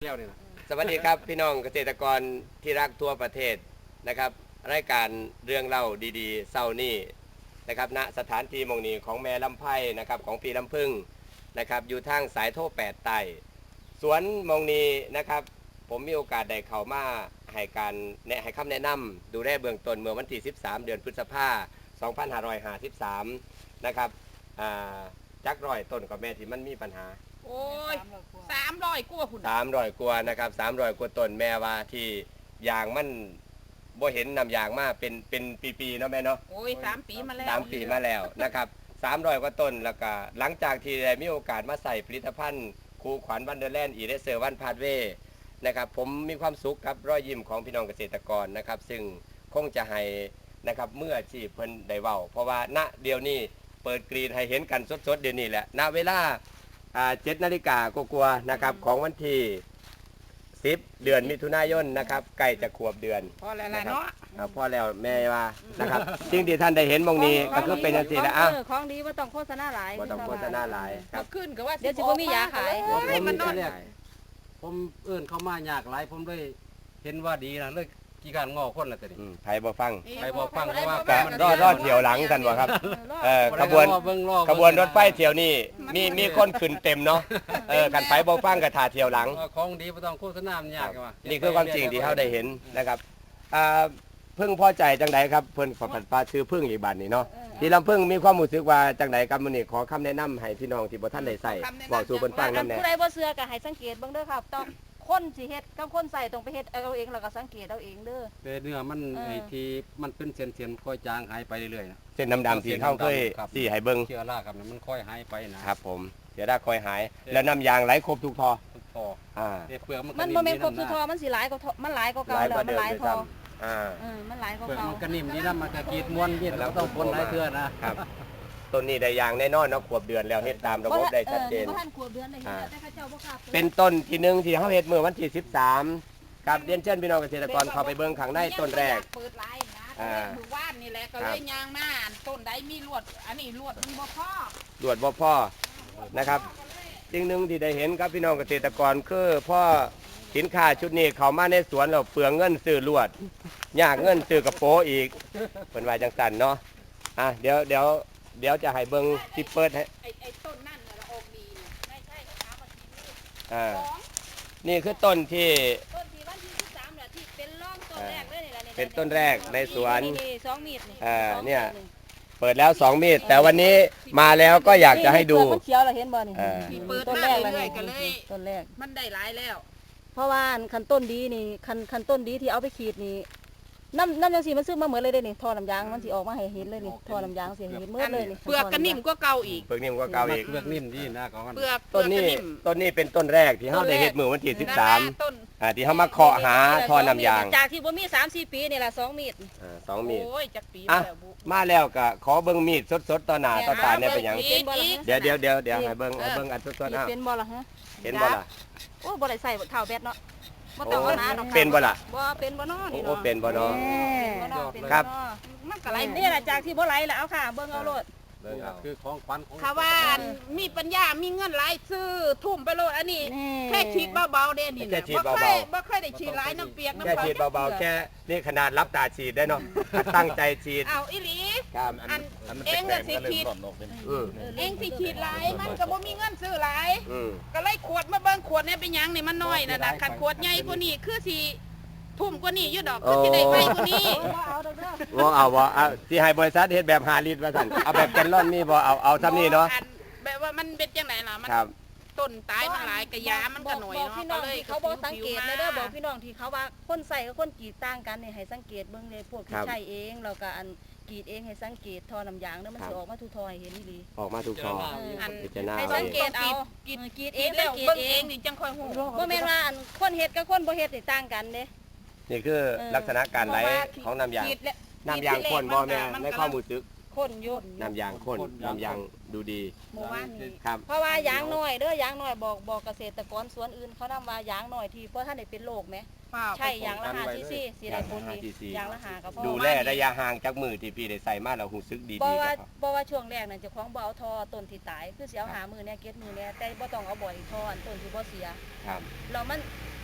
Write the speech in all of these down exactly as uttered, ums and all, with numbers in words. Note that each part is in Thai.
แล้วนี่นะสวัสดีครับพี่น้องเกษตรกรที่รักทั่วประเทศนะครับรายการเรื่องเล่าดีๆเศร้านี่นะครับณสถานที่มงนีของแม่ลำไพ่นะครับของปีลำพึ่งนะครับอยู่ทางสายโทแปดไต่สวนมงนีนะครับผมมีโอกาสได้เข้ามาให้การแนะให้คำแนะนำดูแลเบื้องต้นเมื่อวันที่สิบสามเดือนพฤษภาคมสองพันห้าร้อยห้าสิบสามนะครับจักร้อยต้นกับแม่ที่มันมีปัญหาโอ้ยสามร้อยกว่าคุณสามร้อยกว่านะครับสามร้อยกว่าต้นแม่ว่าที่ยางมันบ่เห็นนำยางมาเป็นเป็นปีๆเนาะแม่เนาะโอ้ยสามปีมาแล้วสามปีมาแล้วนะครับสามร้อยกว่าต้นแล้วก็หลังจากที่ได้มีโอกาสมาใส่ผลิตภัณฑ์คูขวัญวันเดอร์แลนด์อีเรเซอร์วันพาดเวนะครับผมมีความสุขครับรอยยิ้มของพี่น้องเกษตรกรนะครับซึ่งคงจะให้นะครับเมื่อที่เพิ่นได้เว้าเพราะว่าณเดี๋ยวนี้เปิดกรีนให้เห็นกันสดๆเดี๋ยวนี้แหละณเวลาเจ็ดนาฬิกากว่าๆนะครับของวันที่สิบเดือนมิถุนายนนะครับใกล้จะขวบเดือนพอแล้วเนาะพอแล้วแม่ว่านะครับสิ่งที่ท่านได้เห็นมองนี้ก็คือเป็นอย่างนี้แหละอ่ะของดีว่าต้องโฆษณาหลายว่าต้องโฆษณาหลายครับขึ้นก็ว่าเดี๋ยวสิบ่มียาขายมันนอนผมเอื้นเข้ามายากหลายผมเลยเห็นว่าดีนะเลยกี่การงอคนละแต่นี่ไผบ่ฟังไผบ่ฟังเพราะว่าก็รอดรอดเที่ยวหลังกันบ่ครับเออขบวนขบวนรถไฟเที่ยวนี้มีมีคนขึ้นเต็มเนาะเออกันไผบ่ฟังก็ท่าเที่ยวหลังของดีบ่ต้องโฆษณามันยากว่านี่คือความจริงที่เฮาได้เห็นนะครับอ่าพึ่งพอใจจังไดครับเพิ่นขอผัดปลาชื่อพึ่งอีกบัดนี้เนาะที่ลำพึ่งมีความรู้สึกว่าจังไดครับมื้อนี้ขอคำแนะนำให้พี่น้องที่บ่ทันได้ใส่บอกสู่เพิ่นฟังนำแน่ผู้ใดบ่เชื่อก็ให้สังเกตเบิ่งเด้อครับต้องคนสิเฮ็ดกับคนใส่ต้องไปเฮ็ดเอาเองแล้วก็สังเกตเอาเองเด้อแต่เนื้อมันไอ้ที่มันเป็นเส้นๆค่อยจางหายไปเรื่อยๆนะเส้นดำๆที่เฮาเคยสิให้เบิ่งเชื้อราครับมันค่อยหายไปนะครับผมเชื้อราค่อยหายแล้วน้ำยางไหลครบทุกท่อทุกท่ออ่าเปลือกมันบ่แม่นครบทุกท่อมันสิหลายกว่ามันหลายกว่าเก่าแล้วมันหลายท่ออ่าเออมันหลายกว่าเก่าเก่ามันก็นิ่มดีนะมันก็กีดม้วนมีดแล้วต้องคนหลายเทื่อนะครับต้นนี้ได้ยางแน่นอนเนาะขวบเดือนแล้วเฮ็ดตามระบบได้ชัดเจนเป็นต้นที่หนึ่งที่เฮาเฮ็ดเมื่อวันที่สิบสามกับเรียนเชิญพี่น้องเกษตรกรเข้าไปเบิ่งข้างในต้นแรกเปิดไลน์นะอ่าหมู่บ้านนี่แหละก็เลยยางหน้าต้นใดมีลวดอันนี้ลวดมันบ่พอลวดบ่พอนะครับสิ่งหนึ่งที่ได้เห็นครับพี่น้องเกษตรกรคือพ่อสินค้าชุดนี้เข้ามาในสวนแล้วเปลืองเงินซื้อลวดยากเงินซื้อกระโปรงอีกเพิ่นว่าจังซั่นเนาะอ่ะเดี๋ยวเดี๋ยวเดี๋ยวจะให้เบิ่งที่เปิดให้ไอ้ไอ้ต้นนั่นน่ะออกดีไม่ใช่ขาบ่ทีนี่อ่านี่คือต้นที่ต้นที่วันที่สิบสามน่ะที่เป็นร่องต้นแรกเลยนี่ล่ะนี่เป็นต้นแรกในสวนนี่สองมีดนี่อ่าเนี่ยเปิดแล้วสองมีดแต่วันนี้มาแล้วก็อยากจะให้ดูมันเขียวเราเห็นบ่นี่เปิดต้นแรกเลยก็เลยต้นแรกมันได้หลายแล้วเพราะว่าคันต้นดีนี่คันคันต้นดีที่เอาไปขีดนี่น้ำน้ำยางสีมันซื้อมาเหมือนเลยเด้นี่ท่อน้ำยางมันสีออกมาให้เห็นเลยนี่ท่อน้ำยางสีเห็นเมื่อเลยนี่เปลือกก็นิ่มกว่าเก่าอีกเปลือกนิ่มกว่าเก่าอีกเปลือกนิ่มดีนะของมันเปลือกต้นนี้ต้นนี้เป็นต้นแรกที่เฮาได้เฮ็ดมือวันที่สิบสามอ่าที่เฮามาเคาะหาท่อน้ำยางจากที่บ่มีสามสี่ปีนี่ล่ะสองมีดอ่าสองมีดโอ้ยจักปีอ่ะมาแล้วก็ขอเบิ่งมีดสดๆต่อหน้าต่อตาเนี่ยเป็นหยังเดี๋ยวเดี๋ยวเดี๋ยวเดี๋ยวให้เบิ่งให้เบิ่งอันสดๆอ้าวเป็นบ่ล่ะฮะเห็นบ่ล่ะโอ้บ่ได้ใส่เท้าแบตเนาะบ่ต้องเอาหน้าดอกเป็นบ่ล่ะบ่เป็นบ่น้อนี่เนาะโอ้เป็นบ่น้อครับมันก็ไหลนี่แหละจากที่บ่ไหลแล้วเอาค่ะเบิ่งเอาโลดคือของขวัญของถ้าว่ามีปัญญามีเงินหลายซื้อทุ่มไปโลดอันนี้แค่ฉีดเบาๆเด้นี่บ่ค่อยบ่ค่อยได้ฉีดหลายน้ำเปียกน้ำแค่ฉีดเบาๆแค่นี่ขนาดรับตาฉีดได้เนาะตั้งใจฉีดเอาอีหลีอันเองก็สิฉีดเองสิฉีดหลายมันก็บ่มีเงินซื้อหลายก็เลยขวดมาเบิ่งขวดนี่เป็นหยังนี่มันน้อยน่ะนะคันขวดใหญ่กว่านี้คือสิทุ่มกว่านี้อยู่ดอกคือสิได้ไวกว่านี้บ่เอาดอกเด้อบ่เอาบ่เอาสิให้บริษัทเฮ็ดแบบห้าลิตรว่าซั่นเอาแบบแกนลอนนี่บ่เอาเอาซ้ำนี่เนาะแบบว่ามันเป็นจังได๋ล่ะมันต้นตายมันหลายกะยามันก็หน่อยเนาะก็เลยเขาบ่สังเกตเด้อบอกพี่น้องที่เขาว่าคนใส่กับคนกรีดต่างกันนี่ให้สังเกตเบิ่งเลยพวกที่ใช้เองแล้วก็อันกรีดเองให้สังเกตท่อน้ำยางเด้อมันสิออกมาทุกท่อให้เห็นอีหลีออกมาทุกท่อให้สังเกตเอากรีดกรีดเองแล้วกรีดเองนี่จังค่อยฮู้บ่แม่นว่าอันคนเฮ็ดกับคนบ่เฮ็ดนี่ต่างกันเด้นี่คือลักษณะการไหลของน้ำยางน้ำยางข้นบ่แม่ในความรู้สึกข้นอยู่น้ำยางข้นน้ำยางดูดีหมู่บ้านนี้ครับเพราะว่ายางน้อยเด้อยางน้อยบอกบอกเกษตรกรสวนอื่นเขานำว่ายางน้อยที่เพราะท่านได้เป็นโรคไหมใช่ยางละห้าซีซีสีได้ผลดียางละห้าก็พอดูแลระยะห่างจากมือที่พี่ได้ใส่มาแล้วรู้สึกดีๆเพราะว่าเพราะว่าช่วงแรกนั่นเจ้าของบ่เอาทอต้นที่ตายคือสิเอาหามือเนี่ยเก็บมือเนี่ยแต่บ่ต้องเอาบ่อยทอต้นที่บ่เสียครับแล้วมัน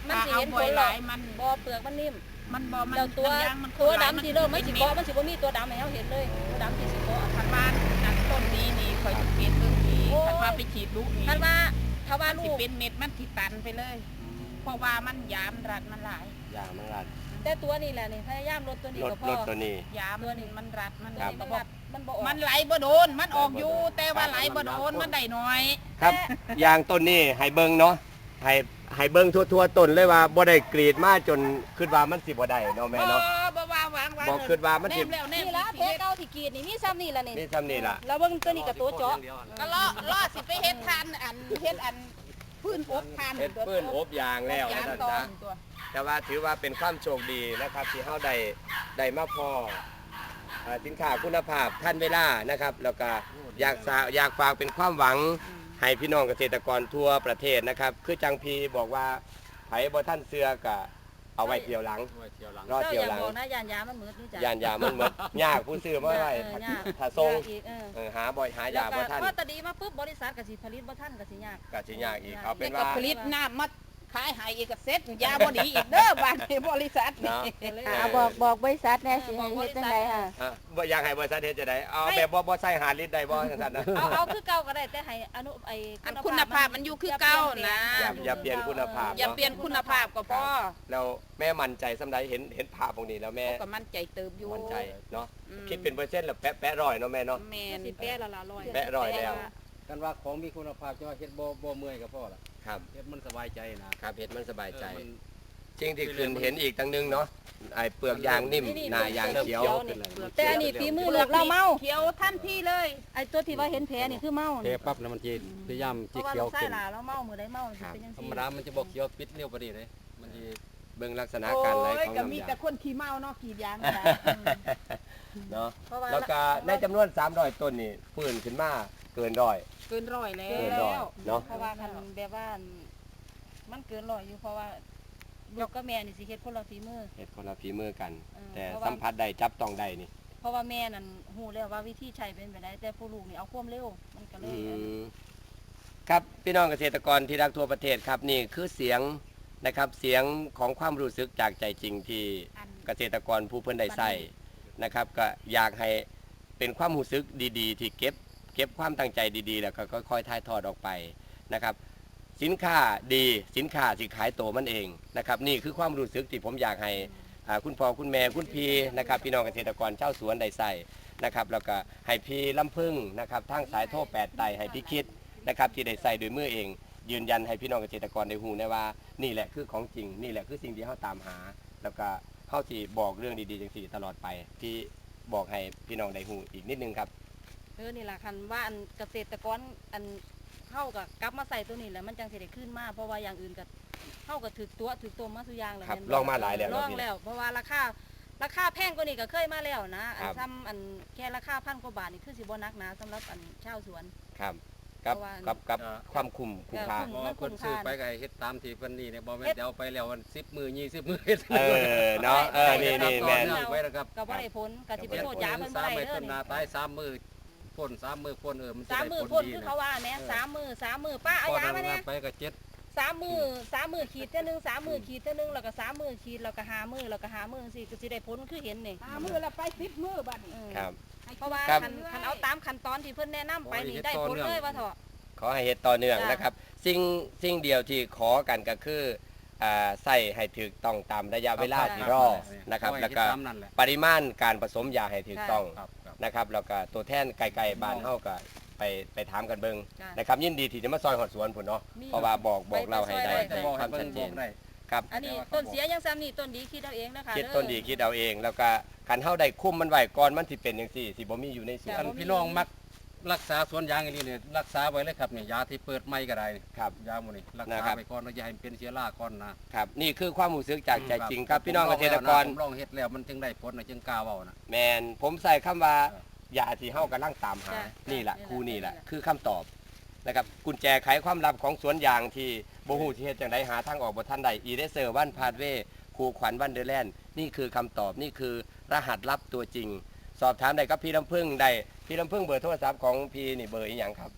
มันสิเห็นผลหรอกมันบ่เปลือกมันนิ่มมันบ่มันแล้วตัวน้ำยางมันตัวดำที่เริ่มมันสิเกาะมันสิบ่มีตัวดำให้เฮาเห็นเลยตัวดำที่สิเกาะคันว่าจากต้นนี้นี่คอยจะเป็นเรื่องนี้โอ้ยคันว่าไปฉีดลูกนี่คันว่าถ้าว่ามันลูสิกเป็นเม็ดมันสิตันไปเลย เพราะว่ามันยามรัดมันหลายยางมันรัดแต่ตัวนี้แหละนี่พยายามลดตัวนี้ลดก็พลอดตัวนี้ยามมันมันรัดมันครับมันบ่รัดมันบ่ออกมันไหลบ่โดน มันออกอยู่ แต่ว่าไหลบ่โดนมันได้น้อยครับยางต้นนี้ให้เบิ่งเนาะให้ให้เบิ่งทั่วๆต้นเลยว่าบ่ได้กรีดมาจนคิดว่ามันสิบ่ได้เนาะแม่บ่เนาะบ่ว่าวางวางบ่คิดว่ามันสิแนมแล้วแนมนี่ละเพชรเก่าที่กรีดนี่มีซ้ำนี่ล่ะนี่นี่ซ้ำนี่ล่ะแล้วเบิ่งตัวนี้กับตัวเจาะก็ล่อล่อสิไปเฮ็ดทานอันเฮ็ดอันพื้นอบทานเฮ็ดปื้นอบยางแล้วยางนั่นตอจ้ะนตัวแต่ว่าถือว่าเป็นความโชคดีนะครับที่เฮาได้ได้มาพอเอ่อสินค้าคุณภาพทันเวลานะครับ แล้วก็อยากสาอยากฝากเป็นความหวังให้พี่น้องเกษตรกรทั่วประเทศนะครับ คือจังพีบอกว่าไผบ่ท่านเสือก็เอาไว้เที่ยวหลังไว้เที่ยวหลังรอเจ้าเที่ยอวย่าหลังบอกนะยานยามันมืดนี่จ้ะยานยามันหมดยากผู้ซื้อมาไว้เออยากถ้าส่งยากอีกเออเออหาบ่อยหายาแล้วบ่ก็ท่านพอตะดีมาปุ๊บบริษัทก็สิผลิตบ่ทันก็สิยากก็สิยากอีกเอาเป็แต่นก็ว่าผลิตน้ำมาขายให้อีกก็เซ็ตยาบ่ดีอีกเด้อบางบริษัทนี่เนาะอ่าบอกบอกบริษัทแน่สิให้เฮ็ดจังไดค่ะอ่ะบ่อยากให้บริษัทเฮ็ดจะได้เอาแบบบ่บ่ใส่หาลิตรได้บ่จังซั่นนะเอาเอาคือเก่าก็ได้แต่ให้อนุไอ้อันคุณภาพมันอยู่คือเก่านะอย่าอย่าเปลี่ยนคุณภาพอย่าเปลี่ยนคุณภาพก็พอแล้วแม่มั่นใจสำใดเห็นเห็นภาพตรงนี้แล้วแม่ก็มั่นใจเติบอยู่มั่นใจเนาะอืมคิดเป็นเปอร์เซ็นต์แล้วแปะแปะร้อยเนาะแม่เนาะแม่มันนสิแปะละละร้อยแปะร้อยแล้วกันว่าของมีคุณภาพจะว่าเฮ็ดบ่บ่เมื่อยก็พอละครับเฮ็ดมันสบายใจนะครับเห็นมันสบายใจเออมันจริงที่คืนเห็นอีกตั้งนึงเนาะไอ้เปลือกยางนิ่มหน้ายางเขียวแต่อันนี้ฝีมือลูกเราเมาเขียวทันทีเลยไอ้ตัวที่ว่าเห็นแผลนี่คือเมาเทปั๊บแล้วมันจะพยายามเพจะราะว่าเขียลูวกชายขึ้นหลาเราเมามื้อใดเมาสิเป็นจังธรซี่รมดามันจะบ่เขียวปิดเร็วปานนี้เลยมันสิเบิ่งลักษณะโอ้การไหลยของก็มีน้ำแต่ยางคนขี้เมาเนาะกรีดยางก็ได้เนาะเพราะว่าแล้วก็ในจำนวนสามร้อยต้นนี่ฟื้นขึ้นมาเกินร้อยเกินร้อยแล้เกินร้อยว เนาะเพราะว่าคันแบบว่ามันเกินร้อยอยู่เพราะว่าลูกกับแม่นี่สิเฮ็ดคนละฝีมือเฮ็ดคนละฝีมือกันเออแต่เพราะว่าสัมผัสได้จับต้องได้นี่เพราะว่าแม่นั่นฮู้แล้วว่าวิธีใช้เป็นแบบใดแต่ผู้ลูกนี่เอาความเร็วมันก็เลอืยมครับพี่น้องเกษตรกรที่รักทั่วประเทศครับนี่คือเสียงนะครับเสียงของความรู้สึกจากใจจริงที่อันเกษตรกรผู้เพิ่นได้ใส่นะครับ ก็อยากให้เป็นความรู้สึกดีๆ ที่เก็บเก็บความตั้งใจดีๆ แล้วก็ค่อยๆถ่ายทอดออกไปนะครับ สินค้าดีสินค้าสิขายโตมันเองนะครับ นี่คือความรู้สึกที่ผมอยากให้อ่าคุณพ่อคุณแม่คุณพี่นะครับ พี่น้องเกษตรกรชาวสวนได้ใส่นะครับ แล้วก็ให้พี่ลำพึ่งนะครับทางสายโทรแปดไตให้พี่คิดนะครับที่ได้ใส่โดวยมือเอง ยืนยันให้พี่น้องเกษตรกรได้ฮู้ได้ว่านี่แหละคือของจริงนี่แหละคือสิ่งที่เฮาตามหา แล้วก็เฮาสิบอกเรื่องดีๆจังซี่ตลอดไปที่บอกให้พี่น้องได้ฮู้อีกนิดนึงครับเออนี่ล่ะคันว่าอันเกษตรกรอันเฮาก็กลับมาใส่ตัวนี้แหละมันจังสิได้ขึ้นมาเพราะว่าอย่างอื่นก็เฮาก็ถึกตัวถึกตัวมาสุอย่างแล้วครับแม่นลองมาหลายแล้วลเนาะองพี่แล้ว เพราะว่าราคาราคาแพงกว่านี้ก็เคยมาแล้วนะอัคน รับซ้ำอันแค่ราคาพันกว่าบาทนี่คือสิบ่นักหนาสำหรับอันชาวสวนครับกับเพราะว่ากับกับความคุ้มคุ้มค่าเออบ่คนซื้อไปก็ให้เฮ็ดตามที่เพิ่นนี่เนี่ยบ่แม่นเฮ็ดเดี๋ยวไปแล้ววันสิบมื้อยี่สิบมื้อเฮ็ดเออเนาะเออนี่นี่แม่นต่อเนื่องไว้นะครับก็บ่ได้ผลก็สิไปโทษยาเพิ่นบ่สามได้มื้อเด้อต้นนี่นาตายสามมื้อพ่นสามมื้อพ่นเออมันจะสามได้มือผพ่นลดีคือนะเขาว่าแหม่สามมือสามมือป้าเอาพอยามาทำเนี่งาย นไปก็เจ็ดสามมือสามมือขีดเท่านึงสามมือขีดเท่านึงแล้วก็สามมือขีดแล้วก็หามือแล้วก็หามือสิก็สิได้ผลคือเห็นนี่หามือละไปสิบมือบัดนี้เออครับเพราะว่าครับคันคันเอาตามขั้นตอนที่เพิ่นแนะนำไปนี่ได้ผลเลยว่าเถอะขอให้เฮ็ดต่อเนื่องจ้ะนะครับ สิ่งสิ่งเดียวที่ขอกันก็คืออ่าใส่ให้ถูกต้องตามระยะเวลาที่รอนะครับ แล้วก็ตามนั่นแหละปริมาณการผสมยาให้ถูกต้องครับครับนะครับ แล้วก็ตัวแทนไกลๆบ้านเฮาก็ไปไปถามกันเบิ่งจ้ะนะครับ ยินดีที่จะมาซอยหอดสวนพุ่นเนาะมีเพราะว่าบอกบอกเราให้ได้ไปแต่ได้บอกคให้วามเพิ่ชันดเจบอกนได้ครับอันนี้ต้นเสียยังซ้ำนี่ต้นดีคิดเอาเองนะคะคิดเอต้นดีคิดเอาเอง แล้วก็คันเฮาได้คุ้มมันไว้ก่อนมันสิเป็นจังซี่สิบ่มีอยู่ในสวท่าน นพี่น้องมักรักษาสวนยางอย่างนี้เนี่ยรักษาไว้เลยครับเนี่ยยาที่เปิดใหม่ก็ได้นี่ครับยาหมดนี่รักนะษาครับไปก่อนแล้วอย่าให้มันเป็นเชื้อราก่อนนะครับนี่คือความรู้สึกจากใจจริงครับพี่น้องเกษตรกรผมลองเฮ็ดแล้วมันจึงได้ผลนะจึงกล้าเว้านะแมนผมใส่คำว่าเออยาที่เฮากำลังตามหาจ้ะนี่แหละนี่แหละครูนี่แหละนี่แหละคือคำตอบนะครับกุญแจไขความลับของสวนยางที่บ่ฮู้ที่เฮ็ดจังไดหาทางออกบ่ทันใดอีเดเซอร์วันพาดเวครูขวัญวันเดอร์แลนด์นี่คือคำตอบนี่คือรหัสลับตัวจริง สอบถามได้กับพี่ลำพึ่งได้พี่ลำพึ่งเบอร์โทรศัพท์ของพี่นี่เบอร์อีหยังครับ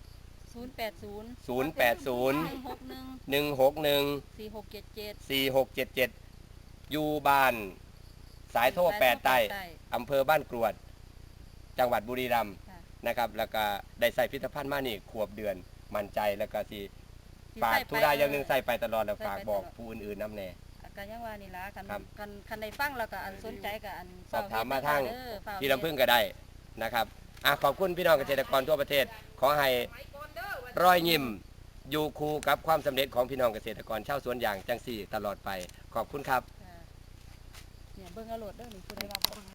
ศูนย์แปดศูนย์ศูนย์แปดศูนย์หนึ่งหกหนึ่งหนึ่งหกหนึ่งสี่หกเจ็ดเจ็ดสี่หกเจ็ดเจ็ดอยู่บ้านสายโทแปดใต้อำเภอบ้านกรวดจังหวัดบุรีรัมย์นะครับแล้วก็ได้ใส่พิพิธภัณฑ์มานี่ขวบเดือนมั่นใจแล้วก็สิฝากทุกได้อย่างหนึงใส่ไปตลอดแล้วฝากบอกผู้อื่นๆนำแน่กันยังว่านี่ล่ะกันครับกันคันได้ฟังแล้วก็อันสนใจก็อันสอบถามมาทางเด้อฝ้าพี่ลำพึ่งก็ได้นะครับอ่ะขอบคุณพี่น้องเกษตรกรทั่วประเทศ ขอให้รอยยิ้มอยู่คู่กับความสำเร็จของพี่น้องเกษตรกรชาวสวนยางจังสี่ตลอดไปขอบคุณครับเนี่ยเบิ่งเอาโหลดเด้อนี่ผู้ใดว่าบ่